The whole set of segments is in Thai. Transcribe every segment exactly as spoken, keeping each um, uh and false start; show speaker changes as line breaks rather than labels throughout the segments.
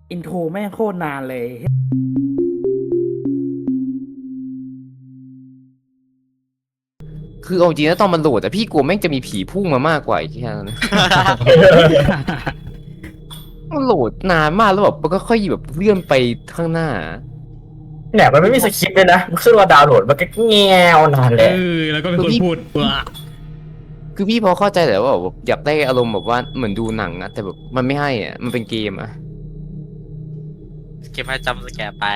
อินโทรแม่งโคตรนานเลย
คือเอาจริงแล้วตอนมันโหลดแต่พี่กลัวแม่งจะมีผีพุ่งมามากกว่าอีกแค่นั้นนะมันโหลดนานมากแล้วแบบมันก็ค่อยแบบเลื่อนไปข้างหน้า
เนี่ยมันไม่มีสคริปต์เลยนะมันขึ้นว่าดาวน์โหลดมันก็แงวนานเล
เอย อแล้วก็เป็นคนพูดว่า
คือพี่พอเข้าใจแหละว่าแบบอยากได้อารมณ์แบบว่าเหมือนดูหนังอะแต่แบบมันไม่ให้อ่ะมันเป็นเกมอะ
เก็บให้จำสแกร์ไป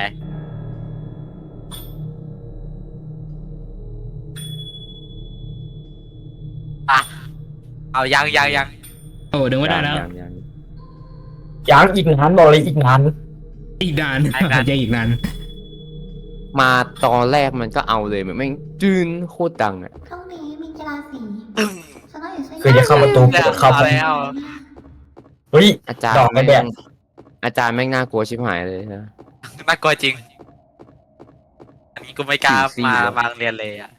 อ่ะเอายังยังยัง
โอ้ดึงไม่ได้แล้ว
ยังยัง
ยังอีกนานบอกเลยอีกนาน
อีกนานจะอีกนาน
มาตอนแรกมันก็เอาเลยมันแม่งจืนโคตรดังอ่ะ
พรุ่งนี้มีกีฬาสีฉันต้องอยู่ช่วย
คือจะเข้าประตูเปิดเข้า
เอา
ไป
แล้ว
เฮ้ย
อาจาร
ดอก
ย์
ไม้
แม่ง
แบบ
อาจารย์แม่งน่ากลัวชิบหายเลยนะ
น่ากลัวจริงอันนี้กูไม่กล้า
สี่
มา
สี่
มาโรงเรียนเลยอ่ะ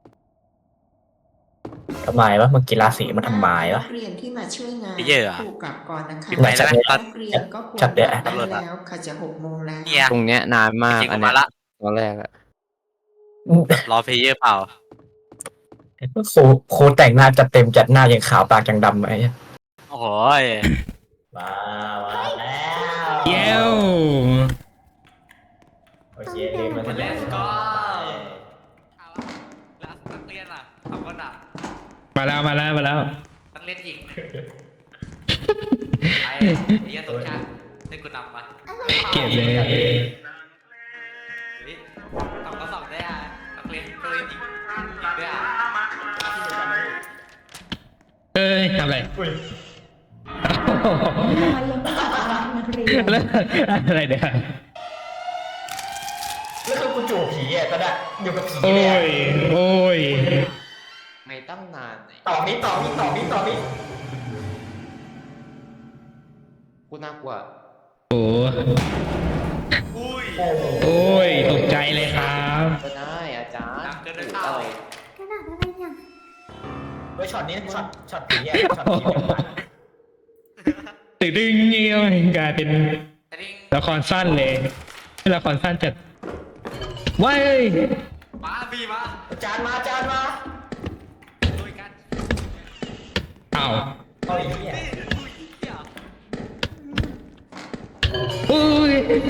ทำไมวะมันกีฬาสีมันทำไมวะ
เรียนที่มาช่วยงาน
ไม่เยอะอะ
ครูกลับก่อนนะคะ
ไหนแล้วนะตอน
นักเรียนก็ควร
จัดเดี๋ยว
กลับได้แล้วค่ะจะหกโมงแล้ว
เนี่ย
ตรงเนี้ยนานมาก
จริงๆ
อัน
กู
เนี้
มาย ละ
ตอนแรกอะ
รอเพลเยอร์เปล่า
ครูครูแต่งหน้าจัดเต็มจัดหน้ายังขาวปากยังดำไหม
โอ้โหย
มามาแล้ว
เย้ว
โอเคเรียนมาแล้ว
Let's go แล้วนักเรียนอ่ะสองคนอ่ะ
มาแล้วมาแล้วมาแล้ว
นักเรียนหญิงไอ้เหี้ยสมชาติให้กูนำมา
เก็บเลย
เฮ้ยสองก็สองได้อ่ะนักเรียนนักเรียนหญิงหญิงด้วยอ่ะ
เอ้ยทำอะไร
อุ้ย
แล้วอะไรเดี๋ยว
แล้วคือกูจูบผีอ่ะก็ได้อยู่กับผี
โอ้
เลยอะ
ยโอ้ย
ไม่ตั้งนานไหน
ต่อนี้ต่อนี้ต่อนี้ต่อนี้
กูน่ากลัว
โอ้
อุ้ย
โอ้โห
โอ้ยตกใจเลยครับ
ก็ได้อาจารย์
ดังเกินไปเปล่า
อะไร
ขนาดอะไรเนี่ย
เฮ้ยช็อตนี้ช็อตช็อตผีอ่ะช็อตผีเนี่ยมัน
ตึงดึงเงี้ยกลายเป็น
แต่นี่
ละครสั้นเลยละครสั้นจัดว้าย
มาบีมา
อาจารย์มาอาจารย์มา
ด้วยกัน
อ้าว
เอาอีกเนี่ย
อุ้ยเหี้ย
อุ้ย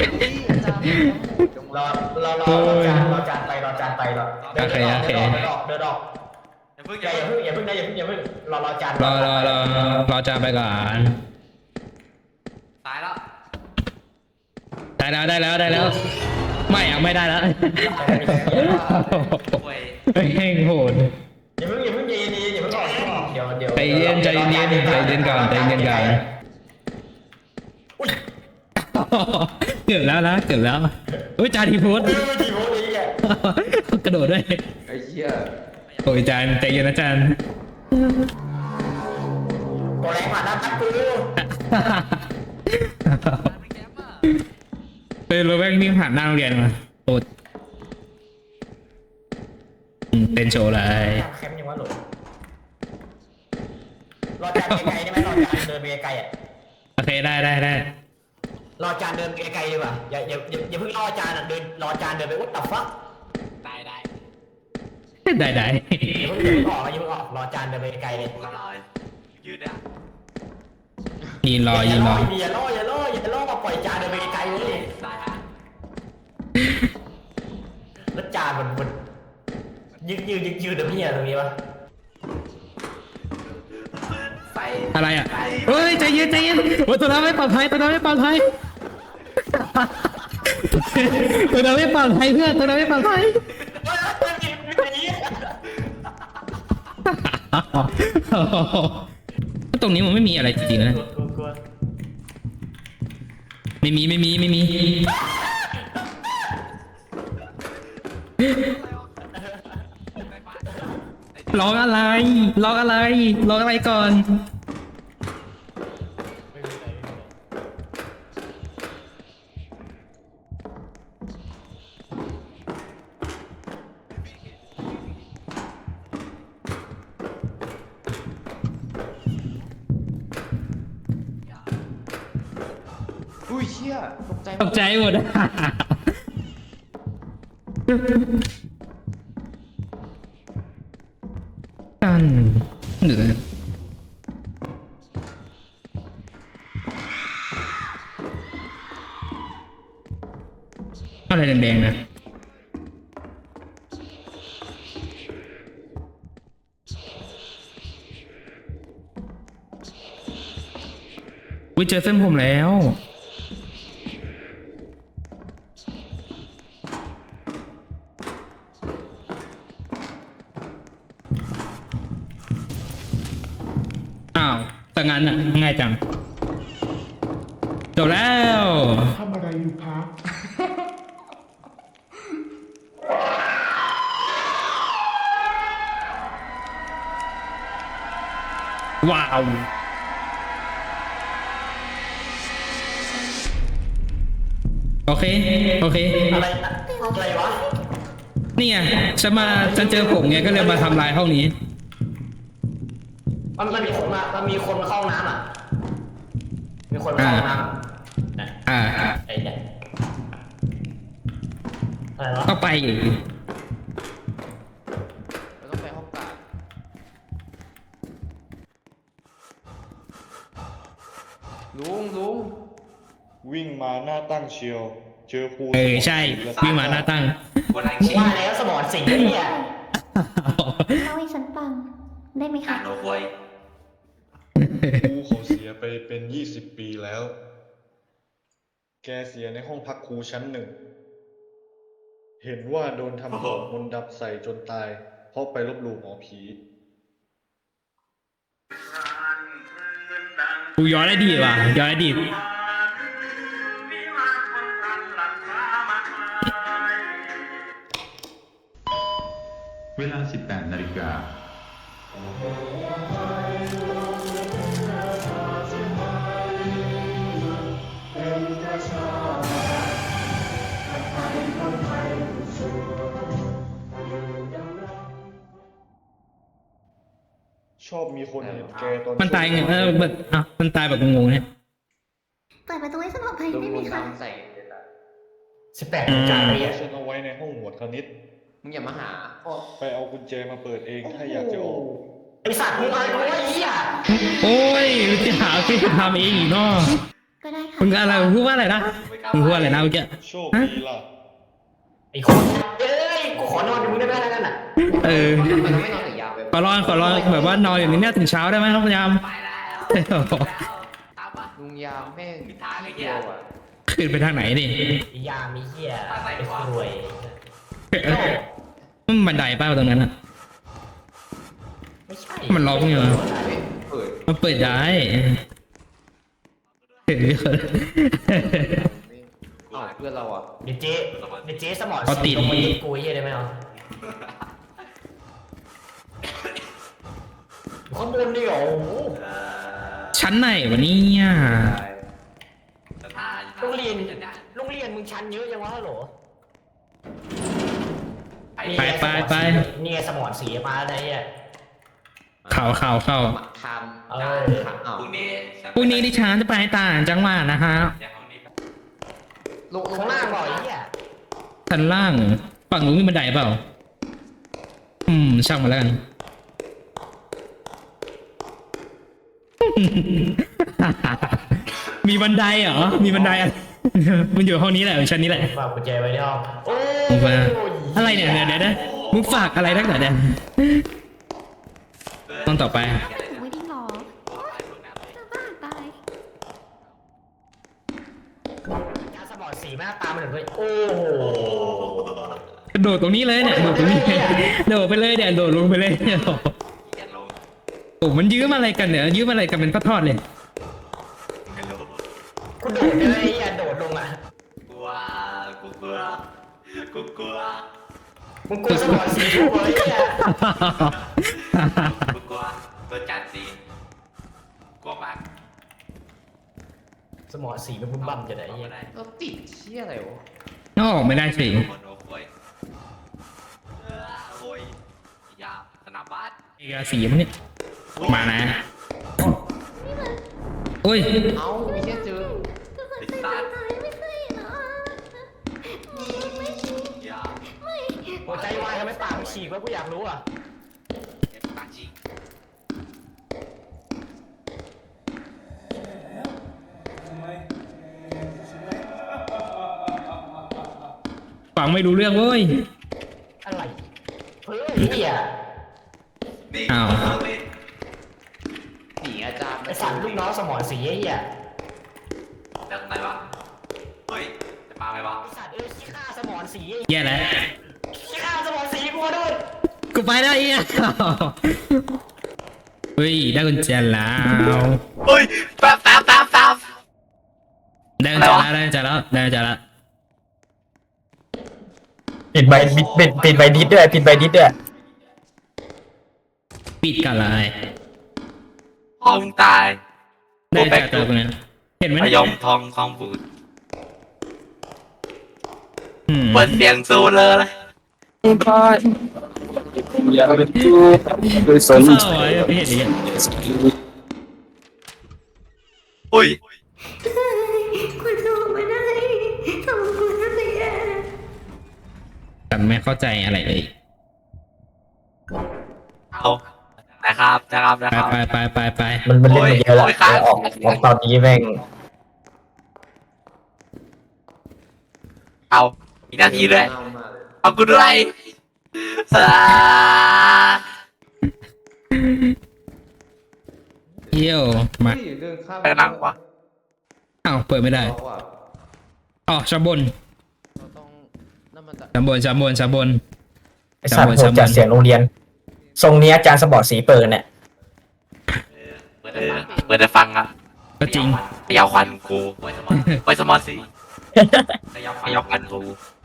รอรอรอรอจานรอจานไปรอจานไปรอเดินออกเดินออกเดินออกเดินออก
อย่าเพิ่ง
อ
อย่า
ย่า
เพิ่ง
อย่าเพิ่งอย่าเพิ่งนะอย่าเพิ่งอย่าเพิ่งรอรอจาน
รอรอรอรอจานไปก่อน
ตายแล้ว
ได้แล้วได้แล้วได้แล้ว ไม่อะไม่ได้แล้ว
ป่วย
แห้งโหด
อย่าเพิ่งอย่าเพิ่งใจเย็นๆอย่าเพิ่งออกอย่าเพิ่งออกเดี๋ยวเดี๋ยว
ใจเย็นใจเย็นใจเย็นก่อนใจเย็นก่อนเกือบแล้วนะเกือบแล้วอุ้ยจานทีโพส
เออทีโพสนี้แก
กระโดดด้วย
ไอ้เหี้ย
โอ้ยจานใจเย็นนะจาน
ตัวแรงผ่านหน้าตักกู
เป็นรถแว่งวิ่งผ่านหน้าโรงเรียนมาโอ้อืมเต้นโชว์เลย
แคมป์ยังวะหลงรอจานไกลๆได้ไหมรอจานเดินไปไกลๆอ่ะ
โอเคได้ได้ได้
รอจานเดินไกลๆดีกว่าอย่าอย่าอย่าอย่าเพิ่งรอจานอ่ะเดินรอจานเดินไปวัดตับฟัก
ได้ได้
ได้ได้
อย่าเพิ่งอย่าเพิ่งออกอย่าเพิ่งออกรอจานเดินไปไกลๆเลย
ก็รอยืดอ่ะ
ยืนรอยืนรอ
อย่าล่ออย่าล่ออย่าล่อมาปล่อยจานเดินไปไกลๆเลย
ได้ฮะ
แล้วจานมันมันยืดยืดยืดยืดเดี๋ยวพี่อะตรงนี้วะ
ไป
อะไรอ่ะเฮ้ยใจเย็นใจเย็นโอ้ยตัวนั้นไม่ปลอดภัยตัวนั้นไม่ปลอดภัยตัวนั้นไม่ปลอดภัยเพื่อนตัวนั้นไม่ปลอดภัยตรงนี้มันไม่มีอะไรจริงๆนะไม่มีไม่มีไม่มีร้องอะไรร้องอะไรร้องอะไรก่อน
อุ้ยเชี่ยตกใจ
ตกใจหมดอะกันเหนืออะไรแดงๆนะวิเจอเส้นผมแล้วอ้าวแต่งั้นอ่ะง่ายจังจบแล้ว
ทำอะไรอยู่พัก
ว้าวโอเคโอเค
อะไรนะอะไรวะ
นี่ไงฉันมาฉันเจอผมไงก็เลยมาทำลายห้องนี้
มันมันมีคนมามันมีคนมาเข้าห้องน้ำอ่ะมีคนมาเข้าห้องน้ำนะ
อ่า
ไอ้เนี่ยอะไรวะ
ก็ไปอีก
เราต้องไปห้องกลาง ลุงลุง
วิ่งมาหน้าตั้งเชียว เจอครู
เออใช่วิ่งมาหน้าตั้ง
บนไอ
มึง
ชี
ว่าแล้วสมองสิงห์เนี่ย
เล่าให้ฉันฟังได้ไหม
กา
คะ
รโนโวย
ครูเขาเสียไปเป็นยี่สิบปีแล้ว แกเสียในห้องพักครูชั้นหนึ่ง เห็นว่าโดนทำของมนต์ดำใส่จนตาย เพราะไปลบหลู่หมอผี
กูย้อนได้ดีว่ะย้อนได้ดี
เวลา สิบแปด นาฬิกา
ชอบมีคนเห็นแกตอน
มันตายไงเออแบบอ่ะมันตายแบบงงๆเนี่ย
เปิดประตูให้ฉันออกไป
ลุง
ได้ไหม
ลุง
คะ
ดำใส่
สิบแปดนาฬิกาอะไร
แก
อ่ะ
ฉันเอาไว้ในห้องหมวดคณิต
มึงอย่ามาหา
ไปเอากุญแจมาเปิดเองถ้าอยากจะออก
ไอสัตว์มึงอะไรกูไอ้เหี้ย
โอ้ยจะหาที่ทำเองอีกเนาะ
ก็ได้ค่ะ
มึงอะไรมึงพูดว่าอะไรนะมึงพูดว่าอะไรนะเมื่อกี้
โชคดีล่ะ
ไอ้คนเอ้ยกูขอนอนอยู่มึงได้ไหมแล้วกันอ่ะ
เออ
มันไม่นอนถึงยาวไป
ขอร้องขอร้องแบบว่านอนอย่างนี้เนี่ยถึงเช้าได้ไหมครับพยายาม
ไปแล้วตามมา
ลุงยาวแม่ง
มีทางไอ้เหี้
เดี
ย
ยวอ่ะ
ขึ้นไปทางไหนนี่
ไอ้ยามีเหี้ยไอ้รวย
มันบันไดป้าตรงนั้นอ่ะ
ไม่ใช่
มันล็อกอยู่เหรอ
เปิด
มันเปิดได้เห็นไหม
อ้าวเพื่อนเราอ่ะ
เดี๋ยวเจ๊เดี๋ยวเจ๊สมอง
เอาติ
สิ
ด
งห์ลงมายึดกูไอ้เหี้ยได้ไหมเอาข้างบนนี่เหรอโอ้โห
ชั้นไหนวะเนี่ย
สถาน
โรงเรียนโรงเรียนมึงชั้นเยอะยังวะฮัลโหล
ไปไปไป
นี่ไงสมองสีมาอะไรเนี่ย
เข่าเข่าเข่า
มาท
เอ
ำ
อ
ทำอ้าว
พรุ่งนี้
พรุ่งนี้ดิฉันจะไปต่างจังหวัดนะฮะ
อย่างห้องนี้
ลงลง
ข้างล่างบ่อยเนี่ย
ชั้นล่างฝั่งนู้นมีบันไดเปล่า อืมช่างมาแล้วกัน มีบันไดเหรอ มีบันไดอ่ะ มันอยู่ห้องนี้แหละชั้นนี้แหละ
ฝากกุญแจไว้ในห้องโอ้
มึงมา
ย
อะไรเนี่ยเดี๋ยวเดี๋ยวเดี๋ยวมึงฝากอะไรนักหนาเนี่ยต้องต่อไป
ถูกไว้ดีหรอจะบ้าตาย
ยาสมองสีแม่งตามมาถึงเลยโอ้โห
กระโดดตรงนี้เลยเนี่ยโดดตรงนี้โดดไปเลยเนี่ยโดดลงไปเลยเนี่ย
อย่าลง
โอ้มันยื้อมาอะไรกันเนี่ยยื้อมาอะไรกันเป็นทอดๆเลย
ไม่ลง
กูโดดเลยไอ้เหี้ยโดดลงอ่ะ
กลัวกูกลัวกูกลัว
มึงกลัวสมองสีทุกคนไอ้เหี้ย
กูกลัวตัวจัดสีกลัวมาก
สมองสีมันบุ้มบั่มจะไหนไอ้เหี้ย
เราติดเชี่ยอะไรวะ
นอกไม่ได้สิ
โอ้โหโวยเออโวยยาสนามบ้าน
เอกสีมันเนี่ยมานะโอ้ย
เอ้ามีแค่เจอ
ไอ้สัตว์
แล้วกูอยากรู้อ่ะ
ปากจริง
ฟังไม่รู้เรื่องเว้ย
อะไรเฮ้ยเหี้ย
นี่
อ้าว
เอาเลย
หนีอาจารย์
ไอสัตว์ลูกน้องสมอนสีไอ้เหี้ย
แล้วไหนวะเฮ้ยจะมาไหมวะ
ไอสัตว์เอ้ยขี้ข้าสมอนสี
แย่แล้ว
ขี้ข้าสมอนสีกูมาด้วย
กูไปได้อีกเฮ้ยได้กุญแจแล้ว
เฮ้ยแป๊บแป๊บแป๊บแป๊บ
ได้กุญแจแล้วได้กุญแจแล้วได้กุญแจแล้ว
ปิดใบปิดปิดใบดิสด้วยปิดใบดิสด้วย
ปิดกันเลย
พ่อมึงตาย
ได้กุญแจตัวตรงนี้เห็นไหม
พ
เนี่ย
ยมทองทองบูด
อืม
เปิดเสียงซูเลย
เศร้าอ่ะไม่เห็นอย่างเงี้ย
อุ้ย
คุณสู้ไม่ได้ทำคุณก็แย่
แต่ไม่เข้าใจอะไรเลย
เอานะครับนะครับนะ
ไป
ครับ
ไปไปไปไป
มันมันเล่นมาเยอะแล้ว
โอ้ยครับ
ออกออกตอนนี้แม่ง
เอาอีกนาทีเลยเอากูด้วยอ่า
เยี่ยวมา
เดินข้าม
ไปหนังวะ
อ้าวเปิดไม่ได้
เราอะ
อ๋อชั้นบน
เราต้องนั่นมันจะ
ชั้นบนชั้นบนชั้นบน
ไอสัตว์โหดจัดเสียงโรงเรียน ทรงนี้อาจารย์สมอนสีเปิดเนี่ย
เปิดได้เปิดได้ฟังอ่ะ
ก็จริง
พยาวควันกูไปสมอนสิพยาวพยาวควันกู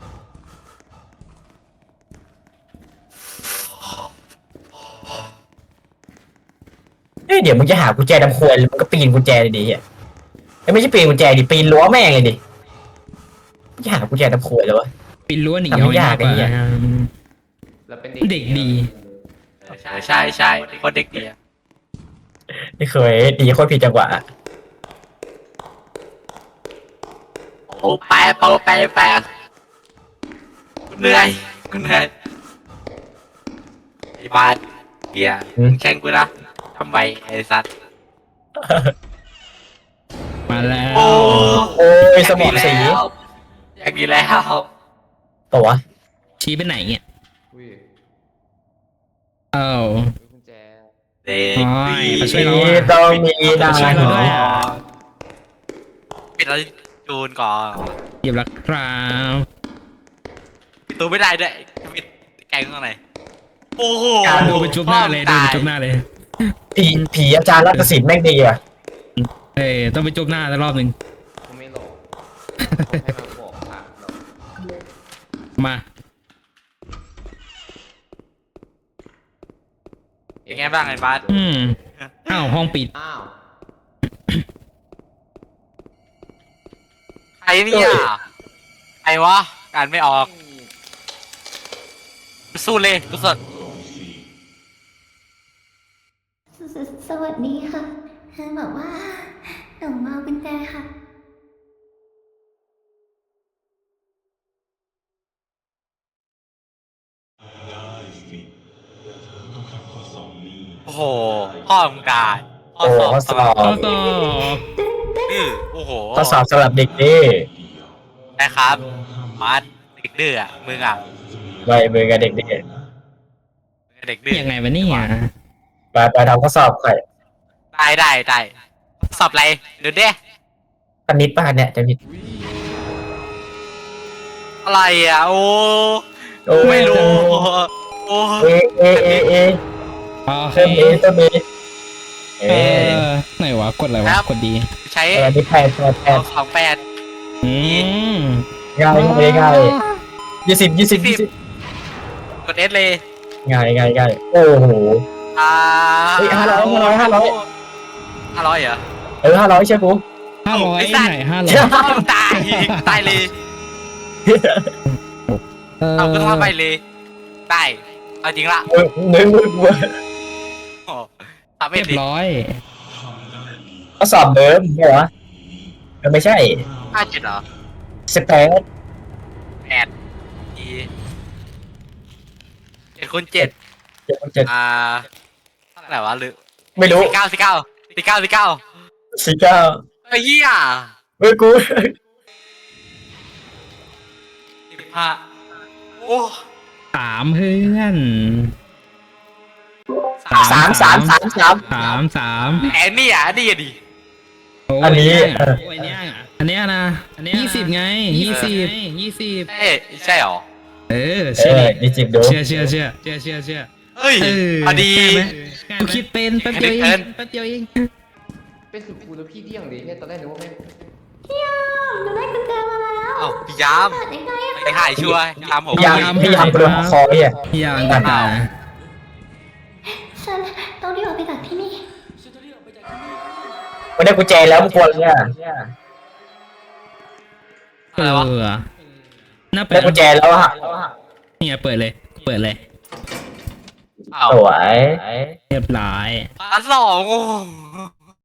เอ้ยเดี๋ยวมึงจะหากุญแจดำควยมึงก็ปีนกุญแจเลยดิเฮียเอ้ยไม่ใช่ปีนกุญแจดิปีนรั้วแม่งเลยดิมึงจะหากุญแจดำควยเลยวะ
ปินรั้วหนี
ทำไม่
เอา
ยาก
กว่า
ไอ้เหี้ย
เราเป็น
เด็กดี
ใช่ใช่ใช่คนเด็กดีอะ
ไม่เคยดีโคตรผิดจังหวะ
โอ้แปะโอ้แปะแปะกูเหนื่อยกูเหนื่อยไอ้บ้านเบียร์แข่งกูนะทำไมไอ้สัตว์
มาแล้ว
โอ้
โอ้ยสมอนสี
อย่างนี้แล้ว
ตัว
ชี้ไปไหนเนี่ย
อุ้ย
เอ้า
กุญแจ
เด็ก
โอ้ย
ดี
มาช่วยเรา
มีต้องมีได้
ช่วยเราด้วยอะ
ปิดแล้วจูนก่อน
หยิบแล้วครับ
ปิดตัวไม่ได้ด้วยปิดแกงข้างในโอ้โห
ดูไปจุ๊บหน้าเลยดูไปจุ๊บหน้าเลย
ผีผีอาจารย์รัตศิลป์แม่งดีว่ะ
เอ้ยต้องไปจุ๊บหน้าสักรอบหนึ่ง
กูไม่หลอกให้มาบอกทางเรา
มา
เป็นไงบ้างไอ้บ้าน
อืมอ้าวห้องปิด
อ้าว
ใครเนี่ยใครวะการไม่ออกสู้เลยทุกคน
สสวัสดีค่ะบอกว่าหนูมากุญแจค่ะ
โอ้โหพ่อมึงกายพ่อ
โอ้
สอบ
ข้อสอบ
ข้อสอบ
ดื้อโอ้โห
ข้อสอบสำหรับเด็กดี
นะครับมาร์ทเด็กดื้ออ่ะมึงอ่ะ
ไว้มือกับเด็กดี
เด็กดื้อ
ยังไงวะเนี่ย
ไปไปทำข้อสอบใคร
ได้ได้ได้สอบอะไรเดี๋ยวเด้
คณิตป่ะเนี่ยจะผิด
อะไรอ่ะโอ้
โอ้
ไม่รู้โอ้
เอเอเอเอ
โอเค
เติมเอเติมเอเอ
เออไหนวะกดอะไรวะกดดี
ใช้
เออนี่แปดแปดแปด
สองแปด
อืม
ง่ายง่ายง่ายยี่สิบยี่สิบยี่สิบ
กดเอสเลย
ง่ายง่ายง่ายโอ้โห
อ่า
เฮ้ยห้าร้อยห้าร้อยห้าร้อย
ห้าร้อยเหรอ
เออห้าร้อยใช่ปุ๊
ห้าร้อย
ไอ้สัตว์
ไหนห้าร้อย
ตายตายเลย
เออ
เอาก็ทำไปเลยตายเอาจริงละ
มึงมึงมึงมึง
โอ้ทำไม่
เรียบ
ดี
ร้อย
ข้อสอบเดิมเหรอมันไม่ใช่
ห้าเจ็ดเหรอ
สิบแปด
แปดอีเจ็ดคูณเจ็ด
เจ็ดคูณเจ็ด
อ่าเท่าไหร่วะหรือ
ไม่รู้
สี่เก้าสี่เก้าสี่เก้าสี่เก้า
สี่เก้า
ไอ้เหี้ย
เฮ้ยกู
สิบห้าโอ้
สามเพื่อน
สามสามสามสาม
สามสาม
แอนนี่อ่ะนี่อ่ะดิ
โอ้ย
อันนี้
เยโอ้ยเนี่ยอันเนี้ยนะอันเนี้ยยี่สิบไงยี่สิบยี่สิบ
เอ้ยใช่หรอ
เออ
เอ
เชื่อ
อ
ดิ
นี่จิบดู
เชื่อเชื่อเชื่อเชื่อเชื่อเชื่อ
เฮ้ย
เออ
พอดี
ใช่ไหมกูคิดเป็นแป๊บเดียวเอ
เกิ
ง
น
แป๊บเดียวเอง
เป็นสุดกูแล้วพี่เดี่ยงดิแค่ตอนแรกนึกว่าแม่ง
หนูได้กุญแจมาแล้ว
เอ้าพี่ยาม
เปิดยังไงอะ
ไปหายชัวร์ยามผม
พยายามพยายามโดนคอเนี่ย
อย่างกัน
ฉันต้องรีบออกไปจากที่นี่
ไม่ได้กุญแจแล้วมึงกลัวเนี่ย
เออน่าเปิ
ได้
ด
กุญแจแล้วฮะ
เนี่ยเปิดเลย เปิดเลย
เอ้า
สวย
เรียบร้อย
อันสองโอ้